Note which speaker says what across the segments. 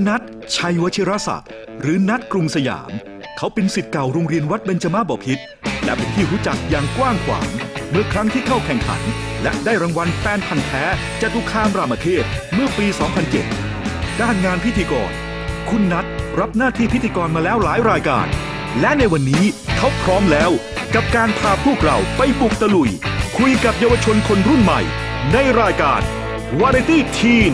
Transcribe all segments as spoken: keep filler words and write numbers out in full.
Speaker 1: นัท ชัยวชิรศักดิ์หรือนัทกรุงสยามเขาเป็นศิษย์เก่าโรงเรียนวัดเบญจมาบพิตรและเป็นที่รู้จักอย่างกว้างขวางเมื่อครั้งที่เข้าแข่งขันและได้รางวัลแฟนพันธุ์แท้จตุคามรามเทพเมื่อปี สองพันเจ็ด ด้านงานพิธีกรคุณนัทรับหน้าที่พิธีกรมาแล้วหลายรายการและในวันนี้เขาพร้อมแล้วกับการพาพวกเราไปบุกตะลุยคุยกับเยาวชนคนรุ่นใหม่ในรายการ Variety Teen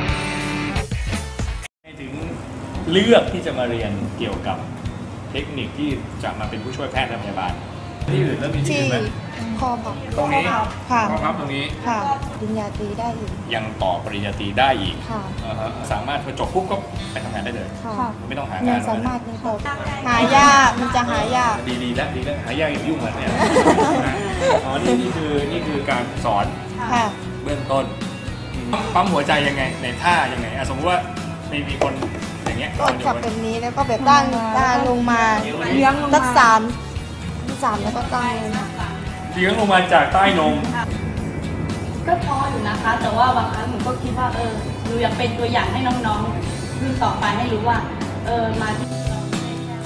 Speaker 2: ถึงเลือกที่จะมาเรียนเกี่ยวกับเทคนิคที่จะมาเป็นผู้ช่วยแพทย์และพยาบาลที่อื่นแล้วมีที่อื่นไหม
Speaker 3: คอพับ
Speaker 2: ตรงนี้
Speaker 3: ค่ะ
Speaker 2: คอพับตรงนี้
Speaker 3: ค่ะปริญญาตรีได้อีก
Speaker 2: ยังต่อปริญญาตรีได้อีก
Speaker 3: ค่ะ
Speaker 2: สามารถพอจบปุ๊บก็ไปทำงานได้เลย
Speaker 3: ค่ะ
Speaker 2: ไม่ต้องหางาน
Speaker 3: สามารถนี่ก็หายากมันจะหายาก
Speaker 2: ดีดีแล้วดีแล้วหายากยุ่งเลยเนี่ยอ๋อนี่นี่คือนี่คือการสอนเบื้องต้นปั๊มหัวใจยังไงในท่ายังไงสมมติว่ามีมีคนอย่างเงี้ย
Speaker 3: ก็จับแบบนี้แล้วก็แบบตั้งตั้งลงมาเลี้ยงตักสามสามแล้วก็ตั้ง
Speaker 2: เลี้ยงลงมาจากใต้นม
Speaker 4: ก็พออยู่นะคะแต่ว่าบางครั้งหนูก็คิดว่าเออหนูอยากเป็นตัวอย่างให้น้องๆรุ่นต่อไปให้รู้ว่าเออมาที่เราไม่ใช่แค่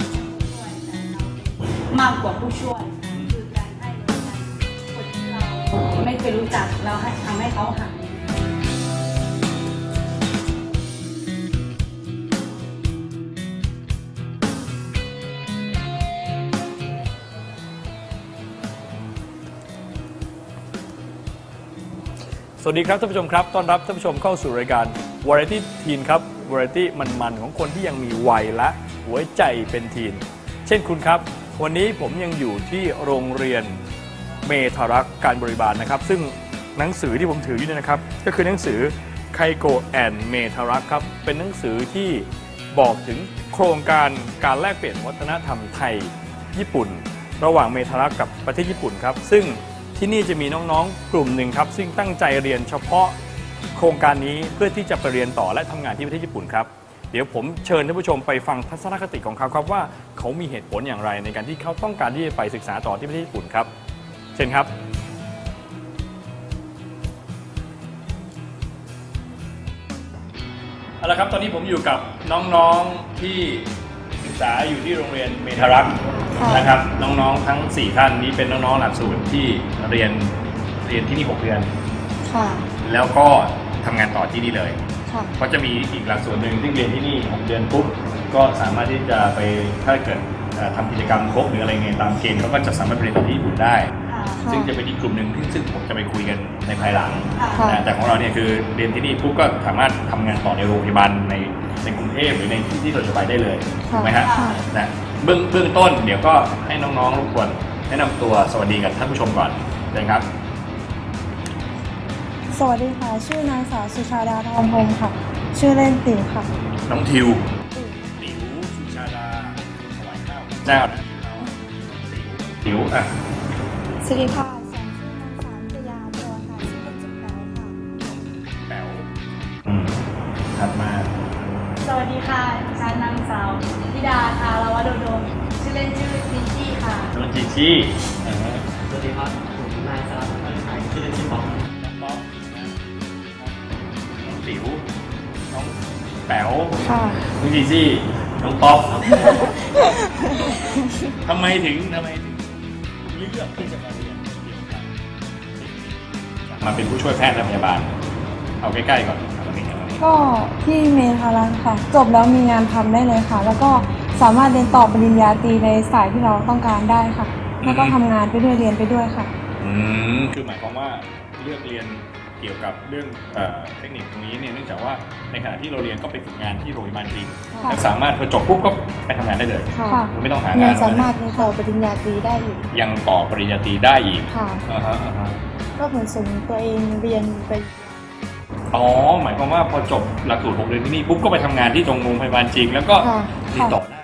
Speaker 4: มากกว่าผู้ช่วยคือการให้คนที่เราไม่เคยรู้จักเราให้ทำให้เขาหัน
Speaker 2: สวัสดีครับท่านผู้ชมครับต้อนรับท่านผู้ชมเข้าสู่รายการ Variety Teen ครับ Variety มันๆของคนที่ยังมีวัยและหัวใจเป็นทีนเช่นคุณครับวันนี้ผมยังอยู่ที่โรงเรียนเมธารักษ์การบริบาลนะครับซึ่งหนังสือที่ผมถืออยู่เนี่ยนะครับก็คือหนังสือไคโกแอนเมธารักษ์ครับเป็นหนังสือที่บอกถึงโครงการการแลกเปลี่ยนวัฒนธรรมไทยญี่ปุ่นระหว่างเมธารักษ์กับประเทศญี่ปุ่นครับซึ่งที่นี่จะมีน้องๆกลุ่มหนึ่งครับซึ่งตั้งใจเรียนเฉพาะโครงการนี้เพื่อที่จะไปเรียนต่อและทำงานที่ประเทศญี่ปุ่นครับเดี๋ยวผมเชิญท่านผู้ชมไปฟังทัศนคติของเขาครับว่าเขามีเหตุผลอย่างไรในการที่เขาต้องการที่จะไปศึกษาต่อที่ประเทศญี่ปุ่นครับเชิญครับเอาละครับตอนนี้ผมอยู่กับน้องๆที่ศึกษาอยู่ที่โรงเรียนเมธารักษ์นะครับน้องๆทั้งสี่ท่านนี้เป็นน้องๆหลักสูตรที่เรียนเรียนที่นี่หกเดือนค่ะแล้วก็ทำงานต่อที่นี่เลยค่ะเพราะจะมีอีกหลักสูตรหนึ่งที่เรียนที่นี่หกเดือนปุ๊บก็สามารถที่จะไปถ้าเกิดทำกิจกรรมครบหรืออะไรเงี้ยตามเกณฑ์เขาก็จะสามารถไปเรียนต่อที่ญี่ปุ่นได้ซึ่งจะเป็นอีกกลุ่มหนึ่งซึ่งผมจะไปคุยกันในภายหลังแต่ของเราเนี่ยคือเรียนที่นี่ปุ๊บก็สามารถทำงานต่อในโรงพยาบาลในในกรุงเทพหรือในที่ที่เราจะไปได้เลยถูกไหมฮะนะเบื้องเบื้องต้นเดี๋ยวก็ให้น้องๆรบกวนแนะนำตัวสวัสดีกับท่านผู้ชมก่อนเลยครับ
Speaker 5: สวัสดีค่ะชื่อนางสาวสุชาดาทองพงศ์ค่ะชื่อเล่นติ๋วค่ะ
Speaker 2: น้องทิวติ๋วสุชาดาถวายข้าวเจ้าติ๋วอ่ะ
Speaker 5: สวัสดีค่ะฉันชื่อนางสาวชยาบัวค่ะชื่อเล่นชื่อแป๋วค่ะ
Speaker 2: แป๋วอืมถัดมา
Speaker 4: สวัสดีค่ะฉันนางสาวธิดาทารวโดโดมชื่อเล่นชื่อจีจี้ค่ะ
Speaker 2: น้องจีจี้
Speaker 6: สวัสดีครับผมนายสารพัฒน์ไทยชื่อเล่นชื่อป๊อป
Speaker 2: น้องป๊อปน้องติ๋วน้องแป๋วน้องจีจี้น้องป๊อปทำไมถึงทำไมถึงเลือกที่จะมาเรียนเกี่ยวกับมาเป็นผู้ช่วยแพทย์และพยาบาลเอาใกล้ๆก่อน
Speaker 5: ก็ที่เมธารักษ์ค่ะจบแล้วมีงานทำได้เลยค่ะแล้วก็สามารถเรียนต่อปริญญาตรีในสายที่เราต้องการได้ค่ะแล้วก็ทำงานไปด้วยเรียนไปด้วยค่ะ
Speaker 2: อืมคือหมายความว่าเลือกเรียนเกี่ยวกับเรื่องเทคนิคตรงนี้เนี่ยเนื่องจากว่าในขณะที่เราเรียนก็ไปฝึกงานที่โรงพยาบาลจริงแล้วสามารถพอจบปุ๊บก็ไปทำงานได้เลยไม่ต้องหางาน
Speaker 3: สามารถต่อปริญญาตรีได้อีก
Speaker 2: ยังต่อปริญญาตรีได้อีก
Speaker 3: ค่ะก็เหมือนส่งตัวเองเรียนไป
Speaker 2: อ๋อหมายความว่าพอจบหลักสูตรหกเดือนที่นี่ปุ๊บก็ไปทำงานที่ตรงโรงพยาบาลจริงแล้วก็ติดต่อได้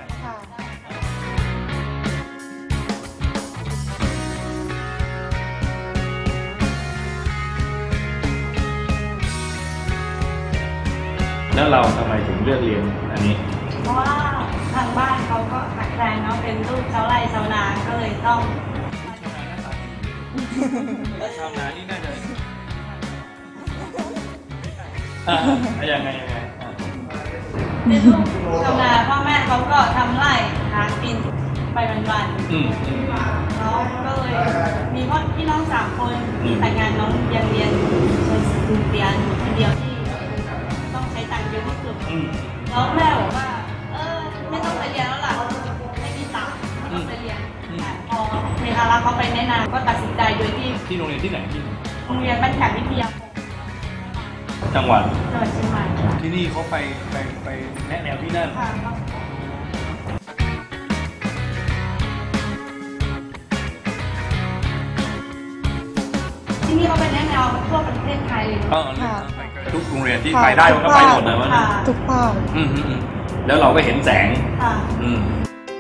Speaker 2: แล้วเราทำไมถึงเลือกเรียนอันนี้
Speaker 4: เพราะว่าทางบ้านเขาก็ขาดแคลนเนาะเป็นลูกชาวไร่ชาวนาก็เลยต้อง
Speaker 2: ชาวนานี่น่าจะอ่ายังไงยังไง
Speaker 4: เป็นลูกชาวนาพ่อแม่เขาก็ทำไร่หากินไปวันๆ
Speaker 2: อืมอืม
Speaker 4: แล้วก็เลยมีพ่อพี่น้องสามคน
Speaker 2: อืม
Speaker 4: แต่งงานน้องยังเรียนเรียนอยู่คนเดียวที่ต้องใช้ตังค์เยอะที่สุด
Speaker 2: อืม
Speaker 4: แล้วแม่บอกว่าเออไม่ต้องไปเรียนแล้วล่ะไม่มีตังค์ไม่ต้องไปเรียนแต่พอเมธารักษ์เขาไปแนะนำก็ตัดสินใจโดยที่
Speaker 2: ที่โรงเรียนที่ไหนที่
Speaker 4: โรงเรียนบ้านแขกวิทยาคม
Speaker 2: จังหวัด
Speaker 4: จังหวัดเชียงใหม่ค่ะ
Speaker 2: ที่นี่เขาไปไปไปแนะแนวที่นั่น
Speaker 4: ค่ะที่นี่เขาไปแนะแนวทั่วประเทศไทยเลย
Speaker 2: เออทุกโรงเรียนที่ไปได้มันก็ไปหมดเลยวะเนี่ย
Speaker 3: ทุกภาค
Speaker 2: อืมอืมอืมแล้วเราก็เห็นแสง
Speaker 4: ค่ะ
Speaker 2: อืม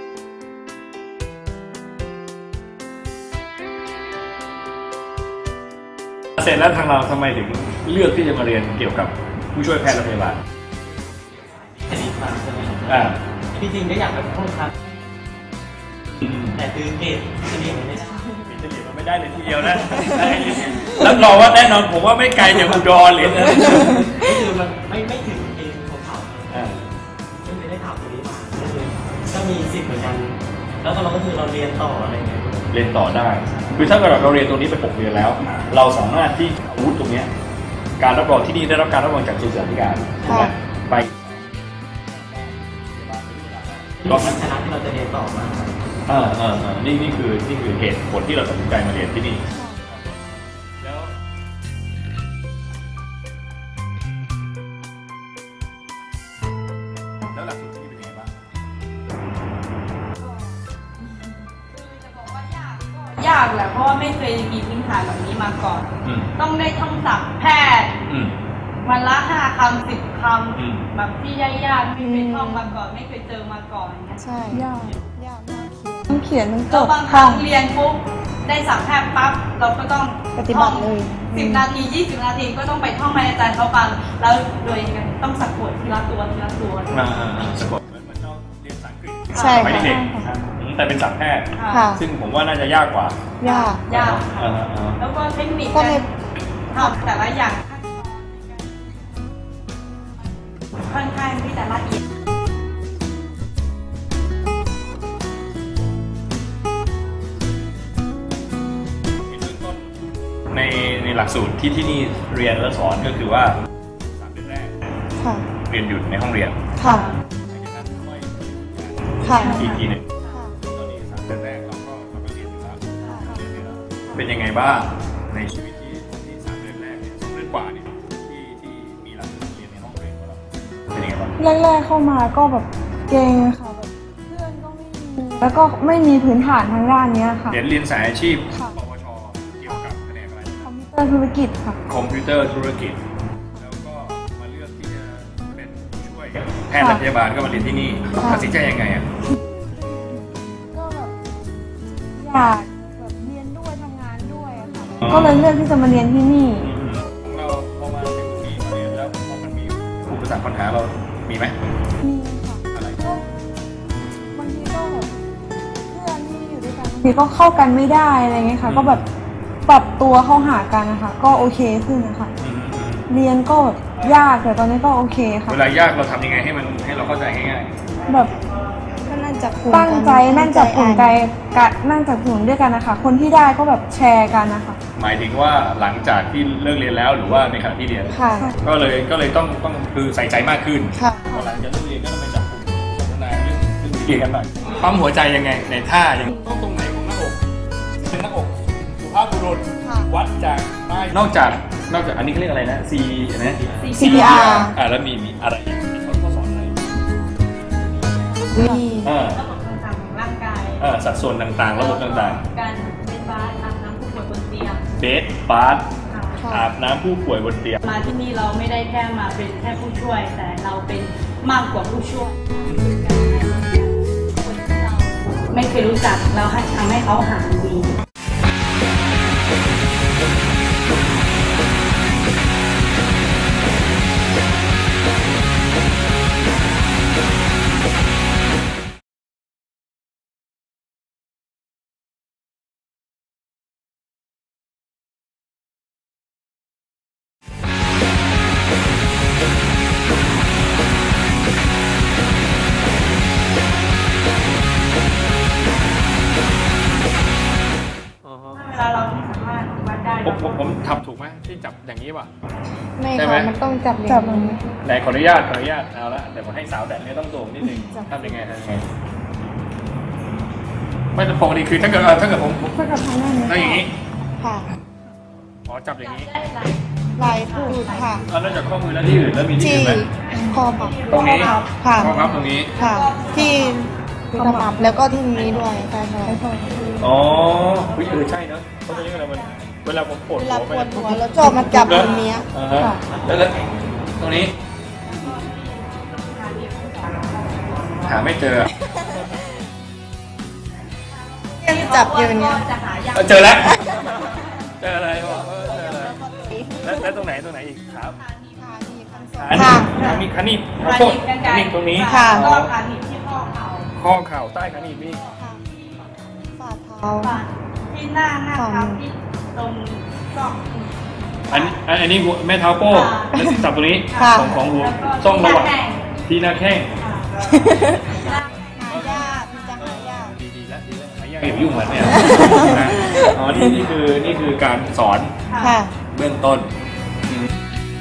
Speaker 2: เสร็จแล้วทางเราทำไมถึงเลือกที่จะมาเรียนเกี่ยวกับผู้ช่วยแพทย์และพยาบาล
Speaker 6: อันนี้มาใช่ไหมครับ
Speaker 2: อ่า
Speaker 6: ที่จริงก็อยากเป็นผู้ครับ
Speaker 2: อืม
Speaker 6: แต่คือเกรดเฉลี่ยมันไม่ได้
Speaker 2: เป็นเฉลี่ยมันไม่ได้เลยทีเดียวนะรับรองว่าแน่นอนผมว่าไม่ไกลจากอุดรเลยนะ
Speaker 6: ก็คือมันไม่ไม่ถึงเกณฑ์ของเขา
Speaker 2: อ่า
Speaker 6: ซึ่งไม่ได้ถามตรงนี้มาก็คือก็มีสิทธิ์เหมือนกัน แล้วก็เราก็คือเราเรียนต่ออะไรเงี้ย
Speaker 2: เรียนต่อได้ คือถ้าเกิดเราเรียนตรงนี้ไปหกเดือนแล้ว เราสามารถที่อาวุธตรงเนี้ยการรับรองที่นี่ได้รับการรับรองจากกระทรวงศึกษาธิการใช่ไหมไป
Speaker 6: รอบนั้นคณะที่เราจะเรียนต่อมา
Speaker 2: อ่าอ่าอ่านี่นี่คือนี่คือเหตุผลที่เราตัดสินใจมาเรียนที่นี่แล้วแล้วหลักสูตรที่นี่เป็นยังไงบ้าง
Speaker 4: ยากแหละเพราะว่าไม่เคยมีพื้นฐานแบบนี้มาก่อน
Speaker 2: อืม
Speaker 4: ต้องได้ท่องศัพท์แพทย์
Speaker 2: อืม
Speaker 4: วันละห้าคำสิบค
Speaker 2: อืม
Speaker 4: ำแบบที่ยากๆไม่เคยท่องมาก่อน ไม่เคยเจอมาก่อนอย่างเงี้ย
Speaker 3: ใช่
Speaker 5: ยาก
Speaker 3: ยากมาก
Speaker 5: ทั้งเขียนทั้งจ
Speaker 4: แล้ว
Speaker 5: ด
Speaker 4: บางครั้งเรียนปุ๊บได้ศัพท์แพทย์ปั๊บเราก็ต้อง
Speaker 3: ปฏิบัติเลย
Speaker 4: สิบนาทียี่สิบนาทีก็ต้องไปท่องให้อาจารย์เขาฟังแล้วโดยต้องสะกดทีละตัวทีละตัว
Speaker 2: อ่าอ่าอ่าสะกดเหมือนเหมือนเราเรียนภาษาอังกฤษ
Speaker 3: ใช่
Speaker 2: ไป
Speaker 3: ค่ะ
Speaker 2: เด็กๆอ่าอืมแต่เป็นศัพท์แพทย์
Speaker 3: ค่ะ
Speaker 2: ซึ่งผมว่าน่าจะยากกว่าย
Speaker 3: าก
Speaker 4: ยาก
Speaker 2: อ่าอ่า
Speaker 4: แล้วก็เทคนิค
Speaker 3: ก็
Speaker 4: การ
Speaker 3: เลย
Speaker 4: ทำแต่ละอย่างค่อนข้างที่จะละเอียด
Speaker 2: ในในหลักสูตรที่ที่นี่เรียนและสอนก็คือว่าสามเดือนแรก
Speaker 3: ค่ะ
Speaker 2: เรียนอยู่ในห้องเรียน
Speaker 3: ค่ะ
Speaker 2: หลังจากนั้นค่อย
Speaker 3: ค่ะ
Speaker 2: อีกทีหนึ่งตอนนี้สามเดือนแรกเราก็เราก็เรียนอยู่แล้วเป็นยังไงบ้างในชีวิตที่ที่สามเดือนแรกเนี่ยสองเดือนกว่าเนี่ยที่ที่มีหลักสูตรเรียนในห้องเรียนของเราเป็นยังไงบ้าง
Speaker 5: แรกๆเข้ามาก็แบบเก่งค่ะแบบเพื่อนก็ไม่มีแล้วก็ไม่มีพื้นฐานทางด้านเนี้ยค่ะ
Speaker 2: เรียนเรียนสายอาชีพ
Speaker 5: ค่ะ
Speaker 2: ปวชเกี่ยวกับแผนกอะไร
Speaker 5: คอมพิวเตอร์ธุรกิจค่ะ
Speaker 2: คอมพิวเตอร์ธุรกิจแล้วก็มาเลือกที่จะเป็นผู้ช่วยแพทย์และพยาบาลก็มาเรียนที่นี่ตัดสินใจยังไงอ่ะ
Speaker 5: ก็แบบอยากแบบเรียนด้วยทำงานด้วยอะค่ะก็เลยเลือกที่จะมาเรียนที่นี่
Speaker 2: ของเราพอมาถึงตรงนี้มาเรียนแล้วพอมันมีอุปสรรคปัญหาเรามีไหม
Speaker 5: มีค่ะ
Speaker 2: อะไร
Speaker 5: ก็บางทีก็แบบเพื่อนที่อยู่ด้วยกันบางทีก็เข้ากันไม่ได้อะไรเงี้ยค่ะ ก็แบบปรับตัวเข้าหากันนะคะก็โอเคขึ้นนะคะ
Speaker 2: อืมอืม
Speaker 5: เรียนก็แบบยากแต่ตอนนี้ก็โอเคค่ะ
Speaker 2: เวลายากเราทำยังไงให้มันให้เราเข้าใจง่าย
Speaker 5: แบบ
Speaker 3: ก็นั่งจับกลุ่ม
Speaker 5: ตั้งใจ
Speaker 3: กั
Speaker 5: นั่งจับกลุ่ม
Speaker 3: ใจ
Speaker 5: ใจกันนั่งจับกลุ่มด้วยกันนะคะคนที่ได้ก็แบบแชร์กันนะคะ
Speaker 2: ๆหมายถึงว่าหลังจากที่เลิกเรียนแล้วหรือว่าในขณะที่เรียน
Speaker 3: ค่ะ
Speaker 2: ก็เลยก็เลยต้องต้องคือใส่ใจมากขึ้น
Speaker 3: ค่ะ
Speaker 2: พอหลังจากเลิกเรียนก็ต้องไปจับกลุ่มสนทนาเรื่องเรื่องที่เรียนกันหน่อยปั๊มหัวใจยังไงในท่ายังต้องตรงไหนของหน้าอกเป็นหน้าอกสุภาพบุรุษ
Speaker 3: ค่ะ
Speaker 2: วัดจากใต้นอกจากนอกจากอันนี้เขาเรียกอะไรนะ C นะ
Speaker 3: ซี พี อาร์
Speaker 2: อ่าแล้วมีมีอะไรอีกมีเขาเขาสอนอะไร
Speaker 3: วี
Speaker 2: อ่า
Speaker 4: ระบบต่างๆของร่างกาย
Speaker 2: อ่าสัดส่วนต่างๆ ระบบต่าง
Speaker 4: การเป็นบาสอาบน้ำผู้ป่วยบนเตียง
Speaker 2: ๆเบสบาร์
Speaker 4: ค่ะ
Speaker 3: ค่ะ
Speaker 2: อาบน้ำผู้ป่วยบนเตียง
Speaker 4: มาที่นี่เราไม่ได้แค่มาเป็นแค่ผู้ช่วย แต่เราเป็นมากกว่าผู้ช่วยคือการให้คนที่เราไม่เคยรู้จักเราให้ทำให้เขาหาดี
Speaker 2: ผมผมทำถูกไหมที่จับอย่างนี้ป่ะ
Speaker 3: ไม่
Speaker 2: ใช่ไหม
Speaker 3: ค่ะมันต้องจับอย่างนี้
Speaker 2: ไหนขออนุญาตขออนุญาตเอาละแต่ผมให้สาวแต่เนี่ยต้องโด่งนิดนึงทำยังไงทำยังไงไม่ปกติคือถ้าเกิดถ้าเกิดผม
Speaker 5: ถ้ากับทางหน้านี้
Speaker 2: ถ้าอย่างนี้
Speaker 3: ค่ะ
Speaker 2: อ๋อจับอย่างนี้
Speaker 4: ได้หลาย
Speaker 3: ลายพูดค่ะ
Speaker 2: เอานอกจากข้อมือแล้วที่อื่นแล้วมีที่
Speaker 3: ที่
Speaker 2: อื่นไหม
Speaker 3: คอพับ
Speaker 2: ตรงนี้
Speaker 3: ค่ะ
Speaker 2: ข้อพับตรงนี้
Speaker 3: ค่ะ ที่ขมับแล้วก็ที่นี้ด้วยใช่ค่ะ
Speaker 2: อ๋ออุ๊ยเออใช่เนอะเพราะตอนนี้เวลามันเวลาผมปวด
Speaker 3: เว
Speaker 2: หั
Speaker 3: ลาว ป
Speaker 2: ไป
Speaker 3: วดหัวแล้วจอบมาจับตรงเนี้ย
Speaker 2: อ่าฮะแล้วแล้วตรงนี้ หาไม่เจอ
Speaker 3: ยังจับอยู่เนี้ย
Speaker 4: จะหายาก
Speaker 2: เออเจอแล้ว เจออะไรวะเออเจออะไรแล้วแล้วตรงไหนตรงไหนอีกครับขา
Speaker 3: ค่ะ
Speaker 2: ขานี่ขานี่ขอ
Speaker 4: ขา
Speaker 2: โทษ
Speaker 4: หนีบกลาง
Speaker 2: ขานี่ตรงนี้
Speaker 3: ค่ะ
Speaker 4: แล้วก็ขาหนีบที่ข้อเข่า
Speaker 2: ข้อเข่าใต้ขานี่นี่
Speaker 3: ฝ่าเท้า
Speaker 4: ฝ่าที่หน้าหน้าเท้าที่ตรงซอก
Speaker 2: อันอันอันนี้หัวแม่เท้าโป้งแล้วจับตรงนี้
Speaker 3: ค่ะ
Speaker 2: ของของหัว
Speaker 4: แล้วก็
Speaker 2: ต้องระวัง
Speaker 4: ที่หน้าแข้ง
Speaker 2: ที่หน้าแข้ง
Speaker 4: ค่ะ
Speaker 3: หายากมันจะหายาก
Speaker 2: ดีดีแล้วดีแล้วหายากอย่ายุ่งเหมือนเนี่ยนะอ๋อนี่นี่คือนี่คือการสอน
Speaker 3: ค่ะ
Speaker 2: เบื้องต้นอืม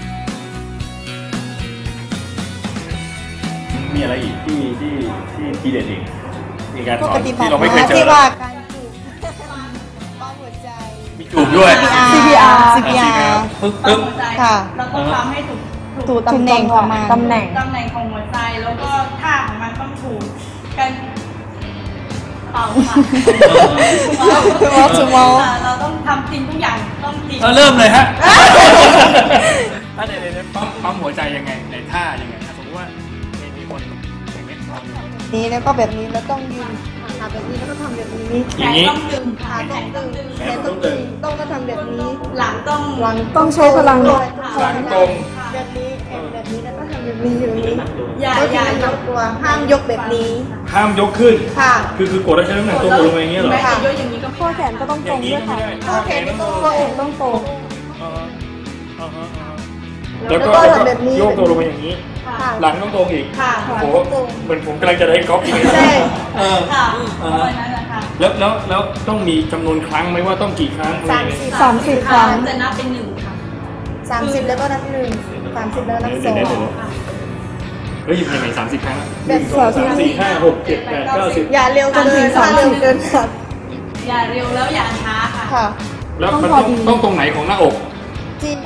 Speaker 2: มีอะไรอีกที่ที่ที่ทีเด็ดอีกมีการ
Speaker 3: พว
Speaker 2: ส
Speaker 3: ก
Speaker 2: อ
Speaker 3: ป
Speaker 2: น
Speaker 3: ฏิบั
Speaker 2: ที่
Speaker 3: ติ
Speaker 2: เราไม่เคยเจอ
Speaker 3: ที่
Speaker 2: แล้ว
Speaker 3: ว่าการจูบป้องหัวใจ
Speaker 2: มีจูบด้วย
Speaker 3: ซี
Speaker 5: ซี
Speaker 3: พี
Speaker 5: พี
Speaker 3: อา
Speaker 5: อา
Speaker 3: ร์
Speaker 5: ร์
Speaker 3: ซี พี อาร์
Speaker 2: ปึ๊บ
Speaker 4: ต้อ
Speaker 2: ปึ๊
Speaker 4: ง
Speaker 2: บ
Speaker 4: หัวใจ
Speaker 3: ค่ะ
Speaker 4: เราต้องทำให้ถูกถูก
Speaker 3: ถูกตำแหน่งของมัน
Speaker 5: ตำแหน่ง
Speaker 4: ตำแหน่งของหัวใจแล้วก็ท่าของมันต้องถูกกันเป่าค่ะ
Speaker 3: วอลทูวอล
Speaker 4: ค่ะเราต้องทำจริงทุกอย่างต้องจริง
Speaker 2: เออเริ่มเลยฮะถ้าเดี๋ยวเดี๋ยวปั๊มปั๊มหัวใจยังไงในท่ายังไงถ้าสมมติว่ามีมีคนอย่างนี้
Speaker 3: นี้แล้วก็แบบนี้แล้วต้องยืนขาแบบนี้แล้วก็ทำแบบนี้
Speaker 2: อย่างนี้
Speaker 4: ต้องดึง
Speaker 3: ขา
Speaker 4: ขา
Speaker 3: ต้องตึง
Speaker 2: แข
Speaker 3: แข
Speaker 2: น
Speaker 3: น
Speaker 2: ต้
Speaker 3: ต้
Speaker 2: อ
Speaker 3: อง ง
Speaker 2: ตึ
Speaker 3: ตึ
Speaker 2: ง
Speaker 3: งต้องก็ทำแบบนี้
Speaker 4: หลังต้อง
Speaker 3: หลัง
Speaker 5: ต้องใช้พลัง
Speaker 3: ด้วย
Speaker 2: หลังตรง
Speaker 3: แบบนี้แอนแบบนี้แล้วก็ทำแบบนี้อยู่นี้
Speaker 4: อย่า
Speaker 3: ก็
Speaker 4: อ
Speaker 3: อย่า
Speaker 4: ย่าย
Speaker 3: กตัวห้ามยกแบบนี้
Speaker 2: ห้ามยกขึ้น
Speaker 3: ค่ะ
Speaker 2: คือคือกดแล้วใช้น้ำหนักตัวกดลงไปอย่างเงี้ยเหรอ
Speaker 4: ไม่จะยกอย่างนี้ก็
Speaker 5: ข้อแขนก็ต้อง
Speaker 2: อ
Speaker 5: ตร
Speaker 2: ย่าง งนี้
Speaker 5: ด้วย
Speaker 2: ก็
Speaker 5: ค่ะ
Speaker 2: ไม่ได้
Speaker 3: ข้อแขนไม่ต้อง
Speaker 5: ข้ออกต้องตรง
Speaker 2: อ่าฮะอ่าฮะอ่าฮะ
Speaker 3: แล้
Speaker 2: แล้ว ว
Speaker 3: ก็
Speaker 2: ก็
Speaker 3: แบบนี้
Speaker 2: โยกตัวลงไปอย่างนี้
Speaker 3: ค่ะ
Speaker 2: หลังต้องตรงอีก
Speaker 3: ค่ะ
Speaker 2: โอ้โหเหมือนผมกำลังจะได้กอล์ฟอีก
Speaker 3: ใช่
Speaker 2: เออ
Speaker 4: ค่ะ
Speaker 2: อ่า
Speaker 4: ประ
Speaker 2: ฮะ
Speaker 4: มาณนั้นแหละค่ะ
Speaker 2: แล้วแล้วแล้วต้องมีจำนวนครั้งไหมว่าต้องกี่ครั้ง
Speaker 3: สามสิบ
Speaker 5: สามสิบครั้ง
Speaker 4: จะนับเป็นหนึ่งค่ะ
Speaker 3: สามสิบแล้วก็นับหนึ่งสามสิบแล้วนับส
Speaker 2: เดี๋
Speaker 3: อ
Speaker 2: ยว
Speaker 3: ง
Speaker 2: เดี๋ยวเดี๋ยวเฮ้ยยังไงสามสิบครั้ง
Speaker 3: แบบ
Speaker 2: หนึ่งสองสามสี่ห้าหกเจ็ดแปดเก้าสิบ
Speaker 3: อย่าเร็วเกินถ้าเร็วเกินค่ะ
Speaker 4: อย่าเร็วแล้วอย่าช้าค่ะ
Speaker 3: ค่ะ
Speaker 2: แล้วมันต้องต้องตรงไหนของหน้าอก
Speaker 3: จริง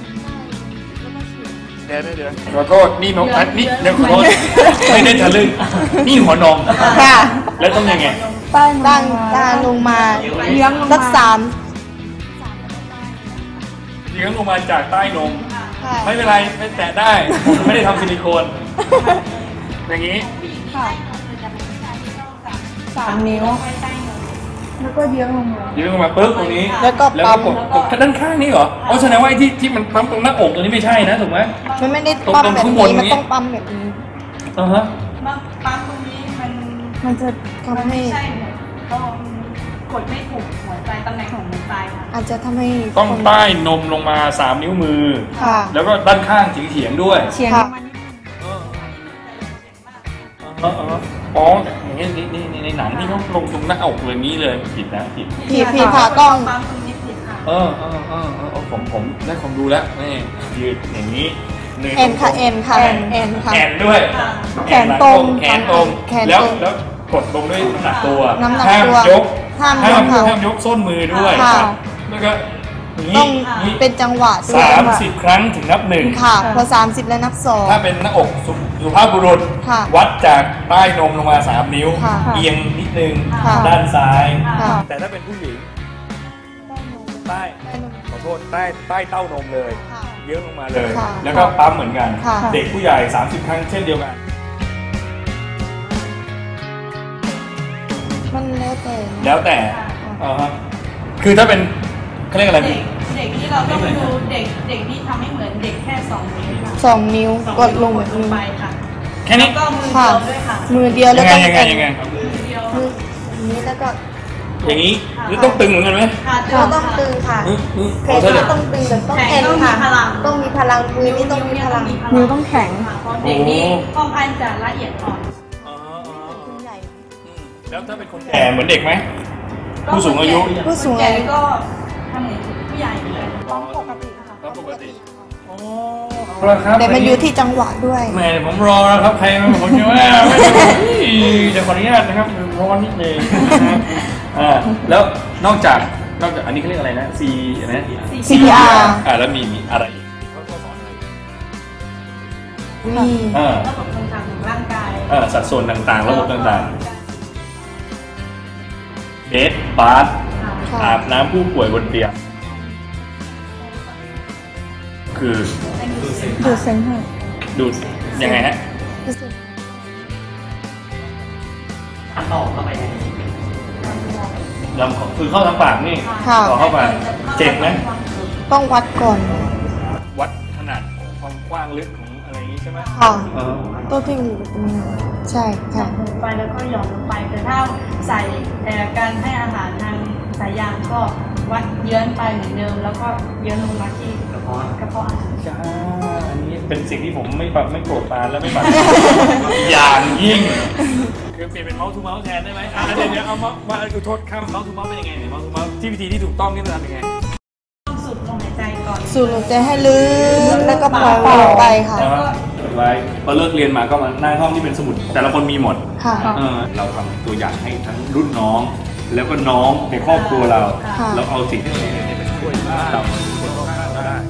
Speaker 2: เดี๋ยวเดี๋ยวขอโทษนี่น้องอันนี่เดี๋ยวขอโทษไม่ได้ทะลึ่งนี่หัวนม
Speaker 3: ค่ะ
Speaker 2: แล้วต้องยังไง
Speaker 5: ใต้น
Speaker 3: ตั้ง
Speaker 5: ม
Speaker 3: ตาลงมา
Speaker 5: เลี้ยงลง
Speaker 3: สัก
Speaker 5: มา
Speaker 3: สาม
Speaker 2: เลี้ยงลงมาจากใต้นม
Speaker 3: ค่ะ
Speaker 2: ไม่เป็นไรไม่แตะได้ผมไม่ได้ทำซิลิโคน อย่างนี้
Speaker 5: ค่ะสามนิ้ว แล้วก็เลี้ยงลงมา
Speaker 2: เลี้ยงลงมาปุ๊บตรงนี้
Speaker 3: แล้วก็
Speaker 2: แล้ว
Speaker 3: ปั๊
Speaker 2: ก็
Speaker 3: ม
Speaker 2: กดกดด้านข้างนี่เหรออ๋อแสดงว่าไอ้ที่ที่มันปั๊มตรงหน้าอกตรงนี้ไม่ใช่นะถูกไหม
Speaker 3: มันไม่ได้ปั๊ม
Speaker 2: ตรง
Speaker 3: แบบ
Speaker 2: ข้างบน
Speaker 3: นี้
Speaker 2: ตรง
Speaker 3: มัน
Speaker 2: นี้
Speaker 3: ต้องปั๊มแบบนี้
Speaker 2: อ่าฮะ
Speaker 4: ปั๊มปั๊มตรงนี้มัน
Speaker 5: มันจะ
Speaker 3: ทำให้
Speaker 4: ไม่ใช่เหมือนต้องกดไม่ถูกหัวใจตำแหน่งของหัวใจค่ะ
Speaker 3: อาจจะทำให้
Speaker 2: ต้อง
Speaker 3: คน
Speaker 2: ใต้นมลงมาสามนิ้วมือ
Speaker 3: ค่ะ
Speaker 2: แล้วก็ด้านข้างเฉียงๆด้วย
Speaker 5: เฉียง
Speaker 3: ค่ะ
Speaker 5: มัน
Speaker 2: อ๋ออ๋ออ๋ออย่างนี้นี่นี่ในหนังที่เขาลงตรงหน้าอกเลยนี้เลยผิดนะผิด
Speaker 3: ผีผีผ่ากล้อง
Speaker 4: ปั๊มตรงนี้ผิดค่ะ
Speaker 2: เออเออเออเออผมผมได้ความรู้แล้วนี่ยืดอย่างนี้หง
Speaker 3: เอ็นค่ะเอ็นค่ะ
Speaker 2: แอน
Speaker 3: เอ็นค่ะ
Speaker 2: แอนด้วย
Speaker 3: แขนตรง
Speaker 2: แขนตรง
Speaker 3: แขนตรง
Speaker 2: แล้วแล้วกดลงด้วยน้ำหนักตัว
Speaker 3: น้ำหนัก
Speaker 2: ห้าม
Speaker 3: ตัวย
Speaker 2: ก
Speaker 3: ห้ามย
Speaker 2: ห้าก ม
Speaker 3: ค่ะ
Speaker 2: ห้ามยกส้นมือด้วย
Speaker 3: ค่ะ
Speaker 2: แล้วก็อย่าง
Speaker 3: ต้
Speaker 2: นี้
Speaker 3: อง
Speaker 2: นี้
Speaker 3: เป็นจังหวะด้ว
Speaker 2: สาย มสิบครั้งถึงนับหนึ่ง
Speaker 3: ค่ะ พอสามสิบแล้วนับสอง
Speaker 2: ถ้าเป็นหน้าอกสุสุภาพบุรุษ
Speaker 3: ค่ะ
Speaker 2: วัดจากใต้นมลงมาสามนิ้ว
Speaker 3: ค่ะ
Speaker 2: เอียงนิดนึง
Speaker 3: ค่ะ
Speaker 2: ด้านซ้าย
Speaker 3: ค่ะ
Speaker 2: แต่ถ้าเป็นผู้หญิงใต้
Speaker 3: ได้นม
Speaker 2: ขอโทษใต้ใต้เต้านมเลย
Speaker 3: ค่ะ
Speaker 2: เยอะลงมาเลย
Speaker 3: ค่ะ
Speaker 2: แล้วก็ปั๊มเหมือนกัน
Speaker 3: ค่ะ
Speaker 2: เด็กผู้ใหญ่สามสิบครั้งเช่นเดียวกัน
Speaker 3: มันแล้วแต่
Speaker 2: แล้วแต่อ่าฮะคือถ้าเป็นเขาเรียกอะไร
Speaker 4: เด็กเด็กที่เราต้องดูเด็กเด็กที่ทำให้เหมือนเด็กแค่สองนิ้วค่ะ
Speaker 3: สองนิ้ว
Speaker 4: สอง
Speaker 3: กดลง
Speaker 4: ก
Speaker 3: แบ
Speaker 4: ด
Speaker 3: บ
Speaker 4: ลง
Speaker 3: นี้
Speaker 4: ไปค่ะ
Speaker 2: แค่นี้
Speaker 4: แล้วก็มือ
Speaker 3: ค่ะ
Speaker 4: เดียวด้วยค่ะ
Speaker 3: มือเดียวแล้ว
Speaker 2: ยังไง
Speaker 3: ก็
Speaker 2: ยังไงยังไง
Speaker 4: มือเดียว
Speaker 3: มืออย่างนี้แล้วก็
Speaker 2: อย่างนี้หรือต้องตึงเหมือนกันไหม
Speaker 4: ค่ะ
Speaker 3: เราต้องตึงค่ะ
Speaker 2: อืมอืม
Speaker 3: แข
Speaker 2: เอา
Speaker 3: น
Speaker 2: เถอะ
Speaker 3: ก็ต้องตึงแบบต้อง
Speaker 4: แข
Speaker 3: แอน น
Speaker 4: ต้องมี
Speaker 3: ค่ะ
Speaker 4: พลัง
Speaker 3: ต้องมีพลังมือนี่ต้องมีพลัง
Speaker 5: นิ้วต้องแข็ง
Speaker 4: ค่ะเพราะเด็กนี่ค่อนข้างจะละเอียดอ่อน
Speaker 2: อ๋ออ๋อ
Speaker 3: คุณใหญ่
Speaker 2: อืมแล้วถ้าเป็นคนแก่เหมือนเด็กไหม ผู้สูงอายุ
Speaker 3: ผู้สูงอายุ
Speaker 4: แก่ก็ทำเหมือนผู้ใหญ่เลย
Speaker 3: ร้องปกติค่ะ
Speaker 2: ร้องปกติ โอ้เอาละครับ
Speaker 3: แต่มันอยู่ที่จังหวะด้วย
Speaker 2: แม่ผมรอแล้วครับใครมาผมจะว่าไม่ได้จะขออนุญาตนะครับร้อนนิดนึงนะฮะอ่าแล้วนอกจากนอกจากอันนี้เขาเรียกอะไรนะ C อะไรนะ
Speaker 3: ซี พี อาร์
Speaker 2: อ่าแล้วมีมีอะไรอีกเขาสอนอะไร
Speaker 3: มี
Speaker 2: อ่า
Speaker 4: ระบบต่างๆของร่างกาย
Speaker 2: อ่าสัดส่วนต่างๆ ระบบต่างๆเบสบาร์
Speaker 3: ค่ะ
Speaker 2: อาบน้ำผู้ป่วยบนเตียงคือ
Speaker 5: ดูดเซ็งให้
Speaker 2: ดูดยังไงฮะ
Speaker 6: ต่อเข้าไปใน
Speaker 2: ลำคอคือเข้าทางปากนี่
Speaker 3: ค่ะ
Speaker 2: ต่อเข้าไปเจ็บไหม
Speaker 3: ต้องวัดก่อน
Speaker 2: วัดขนาดความกว้างลึกของอะไรอย่างนี้ใช่ไหม
Speaker 3: ค่ะ
Speaker 2: เออ
Speaker 3: ตัวที่อยู่ตรงนี้ใช่ค่ะ
Speaker 4: ลงไปแล้วก็หย่อนลงไปแต่ถ้าใส่แต่การให้อาหารทางสายยางก็วัดเยื้อนไปเหมือนเดิม แล้วก็เยื้อนลงมาที่กระเพาะกระเพาะอาหาร
Speaker 2: จ้าอันนี้เป็นสิ่งที่ผมไม่ปรับไม่โกรธปานและไม่ปัด อย่างยิ่ง คือเปลี่ยนเป็นเมาส์ทูเมาส์แทนได้ไหมอ่ะเดี๋ยวเดี๋ยวเอามามาอุทโทษข้ามเมาส์ทูเมาส์เป็นยังไงเนี่ยเมาส์ทูเมาส์ที่วิธีที่ถูกต้องนี่มันทำยังไง
Speaker 4: ต้องสูดลมหายใจก่อน
Speaker 3: สูดลมใจให้ลึกแล้วก็ปล่อยลงไปค่ะ
Speaker 2: แล้วก็ไว้พอเลิกเรียนมาก็มาหน้าห้องที่เป็นสมุด แต่ละคนมีหมด
Speaker 3: ค่ะ
Speaker 2: เออเราทำตัวอย่างให้ทั้งรุ่นน้อง แล้วก็น้องในครอบครัวเรา
Speaker 3: ค่ะ
Speaker 2: เราเอาสิ่งที่เราเรียนเนี่ยไปช่วยเราคนรอบข้างเราได้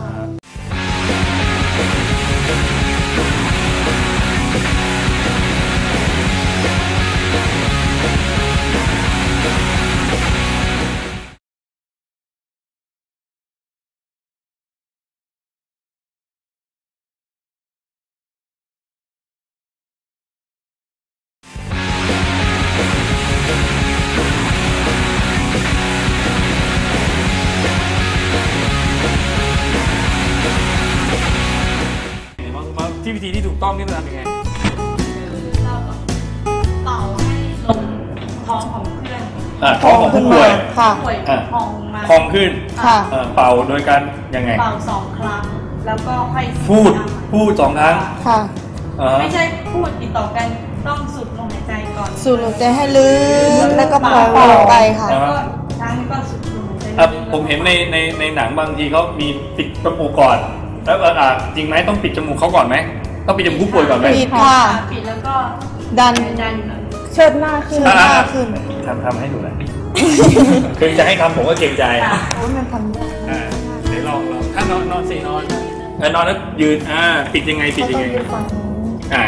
Speaker 2: ที่วิธีที่ถูกต้องนี่มันทำยังไง
Speaker 4: เราก็เป่าให้ลมท้องของเพื่อน
Speaker 2: อ่าท้องของผู้ป่วย
Speaker 3: ค่ะ
Speaker 4: ป่วย
Speaker 2: อ่ะ
Speaker 4: พองมา
Speaker 2: พองขึ้น
Speaker 3: ค่ะ
Speaker 2: เอ่อเป่าโดยการยังไง
Speaker 4: เป่าสองครั้ง แล้วก็ค่อย
Speaker 2: พูดพูดสองครั้ง
Speaker 3: ค่ะ
Speaker 2: อ่า
Speaker 4: ไม่ใช่พูดติดต่อกันต้องสูดลมหายใจก่อน
Speaker 3: สูดลมใจให้ลึกแล้วก็ปล่อยลงไปค่ะ
Speaker 4: แล้วก็ครั้งนี้ก็สูดลมหายใจ
Speaker 2: อ่ะผมเห็นในในในหนังบางทีเขามีปิดจมูกก่อน แล้วอ่าจริงไหมต้องปิดจมูกเขาก่อนไหมต้องปิดจมูกผู้ป่วยก่อนไหม
Speaker 3: ปิด ค่ะ
Speaker 4: ปิดแล้วก็
Speaker 3: ดัน
Speaker 4: ดัน
Speaker 5: เชิดหน้าขึ้น
Speaker 3: เชิดหน้าขึ้น
Speaker 2: ทำทำให้ดูหน่อย คือจะให้ทำผมก็เกรงใจ
Speaker 3: โอ้ยมันทำยาก
Speaker 2: อ่าเดี๋ยวลองลองถ้านอนนอนสินอนเออนอนแล้วยืนอ่าปิดยังไงปิดยังไงอ่า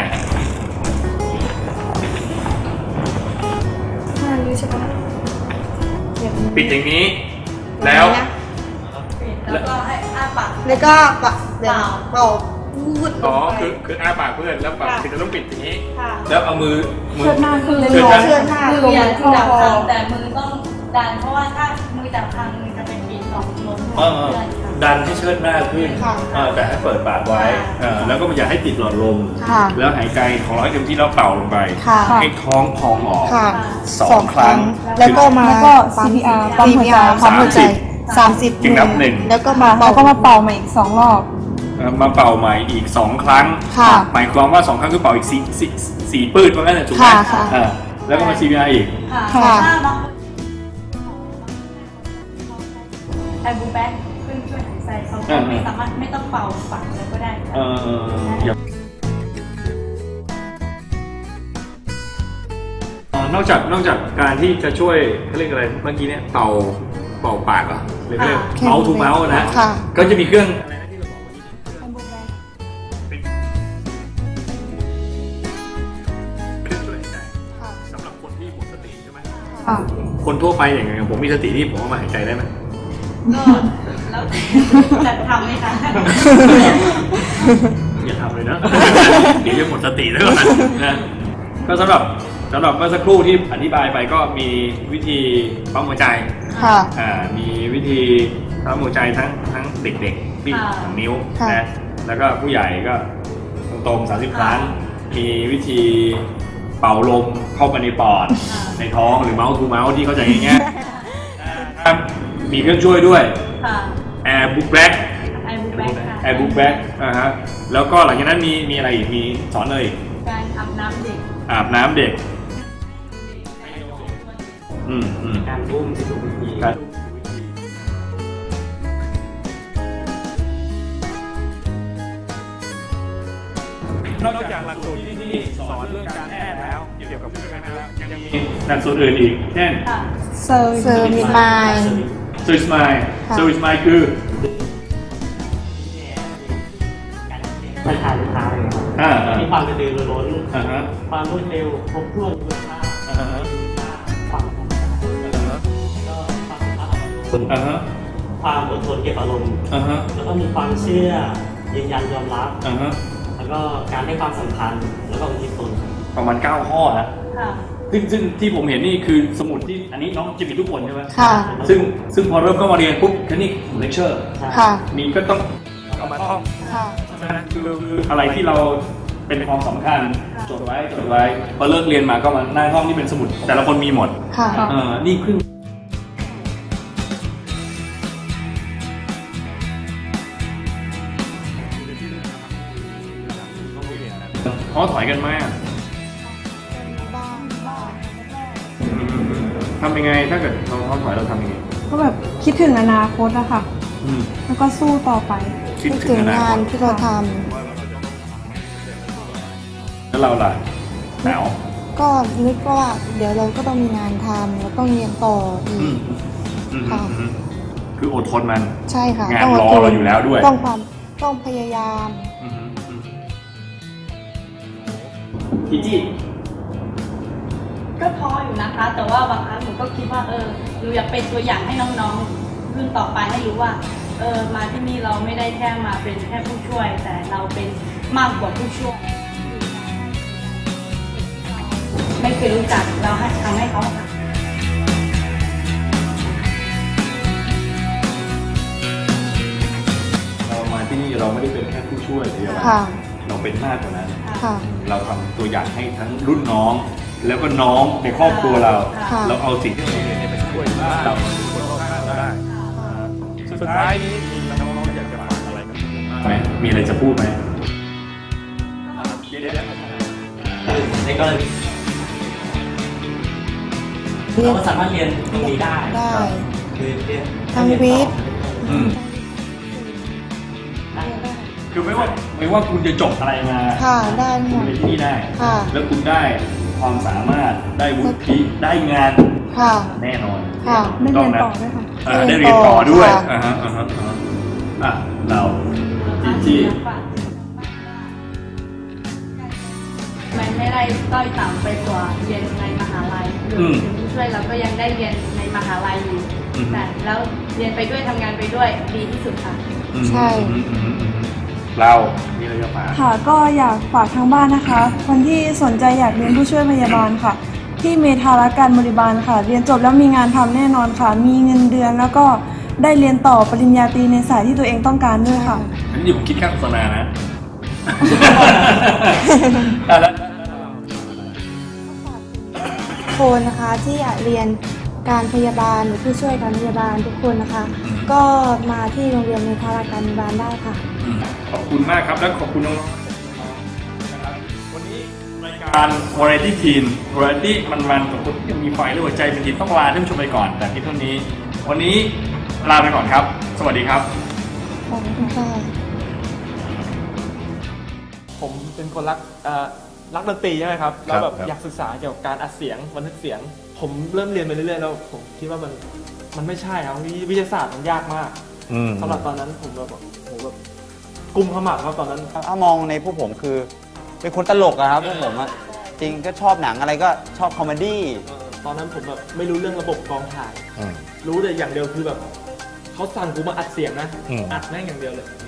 Speaker 3: ห้านิ้วใช่ปะ
Speaker 2: ปิดอย่างนี้ แล้ว
Speaker 4: ปิดแล้วก็ให้อ้าปาก
Speaker 3: แล้วก็ปะเดี๋ยวเป่าพูดล
Speaker 2: อ๋อง
Speaker 3: ไป
Speaker 2: คือคืออ้าปากเพื่อนแล้วปากปิดจะต้องปิดอย่างนี้
Speaker 4: ค่ะ
Speaker 2: แล้วเอามือมือ
Speaker 5: เชิดหน้าขึ้นเลย
Speaker 2: เชิดหน้า
Speaker 3: เชื่อหน้า
Speaker 4: มื
Speaker 3: ล
Speaker 4: อง อย่า
Speaker 3: เข้า
Speaker 4: จับ
Speaker 3: คอ
Speaker 4: ทางแต่มือต้องดันเพราะว่าถ้ามือจับทางมือจะเป็นปิดสองลม
Speaker 2: เออเออดันให้เชิดหน้าขึ้น
Speaker 3: ค่ะ
Speaker 2: เออแต่ให้เปิดปากไว้เออแล้วก็อย่าให้ปิดหลอดลม
Speaker 3: ค่ะ
Speaker 2: แล้วหายใจของเราให้เต็มที่แล้วเป่าลงไป
Speaker 3: ค่ะ
Speaker 2: ให้ท้องพองออก
Speaker 3: ค่ะ
Speaker 2: สองครั้ง
Speaker 3: แล้วก็มา
Speaker 5: แล้วก็ ซี พี อาร์ ปั๊มหัวใจ
Speaker 3: ปั๊มหัวใจสามสิบ
Speaker 2: จึงนับหนึ่ง
Speaker 3: แล้วก็
Speaker 5: มา
Speaker 3: มา
Speaker 5: แล้วก็มาเป่าใหม่อีกสองรอบ
Speaker 2: เอ่อมาเป่าใหม่อีกสองครั้ง
Speaker 3: ค่ะ
Speaker 2: หมายความว่าสองครั้งคือเป่าอีกสี่สี่สี่ปืดว่างั้นนะถูกไหม
Speaker 3: ค่ะค่ะ
Speaker 2: อ่าแล้วก็มา ซี พี อาร์ อีก
Speaker 4: ค่ะ
Speaker 3: ค่ะ
Speaker 4: ถ้าบางไอบูแบ็คเพื่อนช่วยหายใจเขาก็ไม่สามารถไม่ต้องเป่าปากเลยก็ได้
Speaker 2: เออเดี๋ยวอ๋อนอกจากนอกจากการที่จะช่วยเขาเรียกอะไรเมื่อกี้เนี่ยเป่าเป่าปากเหรอหรือเขาเรียกเมาส์ทูเมาส์นะ
Speaker 3: ค่ะ
Speaker 2: ก็จะมีเครื่องอะไรนะที่เราบอกวันนี้เป็นเครื่องช่วยหายใจ
Speaker 3: ค่ะ
Speaker 2: สำหรับคนที่หมดสติใช่ไหม
Speaker 3: ค่ะ
Speaker 2: คนทั่วไปอย่างไงผมมีสติที่ผมเอามาหายใจได้ไหม
Speaker 4: ก็แล้วจะทำไหมคะ
Speaker 2: อย่าทำเลยนะ เดี๋ยวจะหมดสติแล้วก่อนนะก็สำหรับสำหรับเมื่อสักครู่ที่อธิบายไปก็มีวิธีปั๊มหัวใจ
Speaker 3: ค่ะ
Speaker 2: อ่ามีวิธีปั๊มหัวใจทั้งทั้งเด็กๆที่สองนิ้ว
Speaker 3: ค่ะ
Speaker 2: นะแล้วก็ผู้ใหญ่ก็ตรงๆสามสิบครั้ง มีวิธีเป่าลมเข้าไปในปอดในท้องหรือเมาส์ทูเมาส์ที่เข้าใจง่ายๆครับมีเครื่องช่วยด้วย
Speaker 4: ค่ะ
Speaker 2: Air Book Back
Speaker 4: ไอบูแบ็คค่ะ
Speaker 2: Air Book Back อ่าฮะแล้วก็หลังจากนั้นมีมีอะไรอีกมีสอนเลย
Speaker 4: การอาบน้ำเด็ก
Speaker 2: อาบน้ำเด็กอืมอืม
Speaker 6: การบุ้มที่ถูกวิธี
Speaker 2: ครับนอกจากหลักสูตรที่นี่สอนเรื่องการแพทย์แล้วเกี่ยวกับผู้ช่วยการแพทย์แล้วยังมีหลักสูตรอื่นอีกเช่น
Speaker 4: ค่ะ
Speaker 3: เซอร์เซอร์มิมาย
Speaker 2: สวิสไมล์
Speaker 3: ค่ะ
Speaker 2: สวิสไมล์คือ
Speaker 6: การขายลูกค้าเลยครับ
Speaker 2: อ่า
Speaker 6: มีความกระตือรือร้น
Speaker 2: อ่าฮะ
Speaker 6: ความรวดเร็วครบถ้วนคุณภาพ
Speaker 2: อ่าฮะ
Speaker 6: ความก็ความ
Speaker 2: อ่าฮะ
Speaker 6: ความอดทนเก็บอารมณ์
Speaker 2: อ่าฮะ
Speaker 6: แล้วก็มีความเชื่อยืนยันยอมรับ
Speaker 2: อ่าฮะ
Speaker 6: แล้วก็การให้ความสำคัญแล้วก็อุทิศตนครับ
Speaker 2: ประมาณเก้าข้อนะ
Speaker 4: ค่ะ
Speaker 2: ซึ่งซึ่งที่ผมเห็นนี่คือสมุดที่อันนี้น้องจะมีทุกคนใช่ไหม
Speaker 3: ค่ะ
Speaker 2: ซึ่งซึ่งพอเริ่มเข้ามาเรียนปุ๊บทีนี้เลคเชอร์
Speaker 3: ค่ะ
Speaker 2: มีก็ต้องเอามาท่อง
Speaker 3: ค่ะ
Speaker 2: ใช่ไหมคือคืออะไรที่เราเป็นความสำคัญจดไว้จดไว้พอเลิกเรียนมาก็มาหน้าห้องนี่เป็นสมุด แต่ละคนมีหมด
Speaker 3: ค่ะ
Speaker 2: เออนี่ครึ่งท้อถอยกันมาก
Speaker 3: บ้างบ้าง
Speaker 2: ทำยังไงถ้าเกิดเราท้อถอยเราทำยังไง
Speaker 5: ก็แบบคิดถึงอนาคตอะค่ะ
Speaker 2: อืม
Speaker 5: แล้วก็สู้ต่อไป
Speaker 2: คิด
Speaker 3: คิด
Speaker 2: ถึ
Speaker 3: ถึ
Speaker 2: ง
Speaker 3: ง
Speaker 2: อนาค
Speaker 3: งาน
Speaker 2: ต
Speaker 3: ที่เราท
Speaker 2: แล้วเราล่ะหนาว
Speaker 3: ำก็นึกว่าเดี๋ยวเราก็ต้องมีงานทำแล้วต้องเรียนต่ออี
Speaker 2: อื
Speaker 3: ก
Speaker 2: มอืม
Speaker 3: ค่ะ
Speaker 2: อืมคืออดทนมัน
Speaker 3: ใช่ค่ะ
Speaker 2: งาน
Speaker 3: ต้อง
Speaker 2: รอ
Speaker 3: ดทน
Speaker 2: เราอยู่แล้วด้วย
Speaker 3: ต้องความต้องพยายาม
Speaker 2: อืมอืมจีจี้
Speaker 4: ก็ท้ออยู่นะคะ แต่ว่าบางครั้งหนูก็คิดว่าเออหนูอยากเป็นตัวอย่างให้น้องๆรุ่นต่อไปให้รู้ว่าเออมาที่นี่เราไม่ได้แค่มาเป็นแค่ผู้ช่วย แต่เราเป็นมากกว่าผู้ช่วย ไม่เคยรู้จักเราให้ทำให้เขา
Speaker 2: เรามาที่นี่เราไม่ได้เป็นแค่ผู้ช่วยเดียว
Speaker 3: ค่ะ
Speaker 2: เราเป็นมากกว่านั้น
Speaker 3: ค่ะ
Speaker 2: เราทำตัวอย่างให้ทั้งรุ่นน้อง แล้วก็น้องในครอบครัวเรา
Speaker 3: ค่ะ
Speaker 2: เราเอาสิ่งที่เราเรียนเนี่ยไปช่วยบ้านเราคนรอบข้างเราได้สุดท้ายนี้น้องๆอยากจะฝากอะไรกับไหมมีอะไรจะพูดไหมเดี๋ยวๆ
Speaker 6: ในกรณี
Speaker 3: เรีย
Speaker 6: เรา
Speaker 3: น
Speaker 6: ก็สามารถเรียนตรงนี้ได้
Speaker 3: ได้
Speaker 6: คือเรียน
Speaker 3: ทางวิทย์
Speaker 2: อืมคือไม่ว่าไม่ว่าคุณจะจบอะไรมา
Speaker 3: ค่ะได้หม
Speaker 2: คุณ
Speaker 3: ด
Speaker 2: เรียนที่นี่ได้
Speaker 3: ค่ะ
Speaker 2: แล้วคุณได้ความสามารถได้วุฒิได้งาน
Speaker 3: ค่ะ
Speaker 2: แน่นอน
Speaker 3: ค่ะ
Speaker 5: ได้เรียนต่อด้วยค่ะ
Speaker 2: เออได้เรียนต่อด้วย
Speaker 3: ค่ะ
Speaker 2: อ่าฮะอ่าฮะอ่าฮะอ่ะเราจีจี้
Speaker 4: มันไม่ได้ต้อยต่ำไปกว่าเรียนในมหาลัยหรือถึงผู้ช่วยเราก็ยังได้เรียนในมหาลัยอยู่แต่แล้วเรียนไปด้วยทำงานไปด้วยดีที่สุดค่ะ
Speaker 2: อืม
Speaker 3: ใช่
Speaker 2: อืมอืมอืมอืมเรามีอะไรจะฝาก
Speaker 5: ค่ะก็อยากฝากทางบ้านนะคะ คนที่สนใจอยากเรียนผู้ช่วยพยาบาลค่ะ ที่เมธารักการบริบาลค่ะ เรียนจบแล้วมีงานทำแน่นอนค่ะ มีเงินเดือนแล้วก็ได้เรียนต่อปริญญาตรีในสายที่ตัวเองต้องการด้วยค่ะ
Speaker 2: อันนี้ผมคิดค่าโฆษณานะ อ่ะแล้ว
Speaker 3: คนนะคะที่อยากเรียนการพยาบาลหรือผู้ช่วยการพยาบาลทุกคนนะคะ ก็มาที่โรงเรียนเมธารักการพยาบาลได้ค่ะ
Speaker 2: อืมขอบคุณมากครับและขอบคุณน้องๆนะครับวันนี้รายการ Variety Teen Variety มันๆกับคนที่ยังมีไฟและหัวใจเป็นทีมต้องลาท่านผู้ชมไปก่อนแต่ที่เท่านี้ วันนี้ลาไปก่อนครับ สวัสดีครับ
Speaker 3: ขอบคุณค่ะ
Speaker 7: ผมเป็นคนรักเอ่อรักดนตรีใช่ไหมครับ แล้วแบบ
Speaker 2: ครับ
Speaker 7: อยากศึกษาเกี่ยวกับการอัดเสียงบันทึกเสียง ผมเริ่มเรียนไปเรื่อยๆแล้วผมคิดว่ามันมันไม่ใช่ครับวิวิทยาศาสตร์มันยากมากสำหรับตอนนั้นผมแบบโหแบบกุมขมับครับตอนนั้น
Speaker 8: ถ้ามองในพวกผมคือเป็นคนตลกอะครับพวกผมอะจริงก็ชอบหนังอะไรก็ชอบคอมเมดี้
Speaker 7: เอ่อตอนนั้นผมแบบไม่รู้เรื่องระบบกองถ่าย รู้แต่อย่างเดียวคือแบบเขาสั่งกูมาอัดเสียงนะ อัดแม่งอย่างเดียวเลย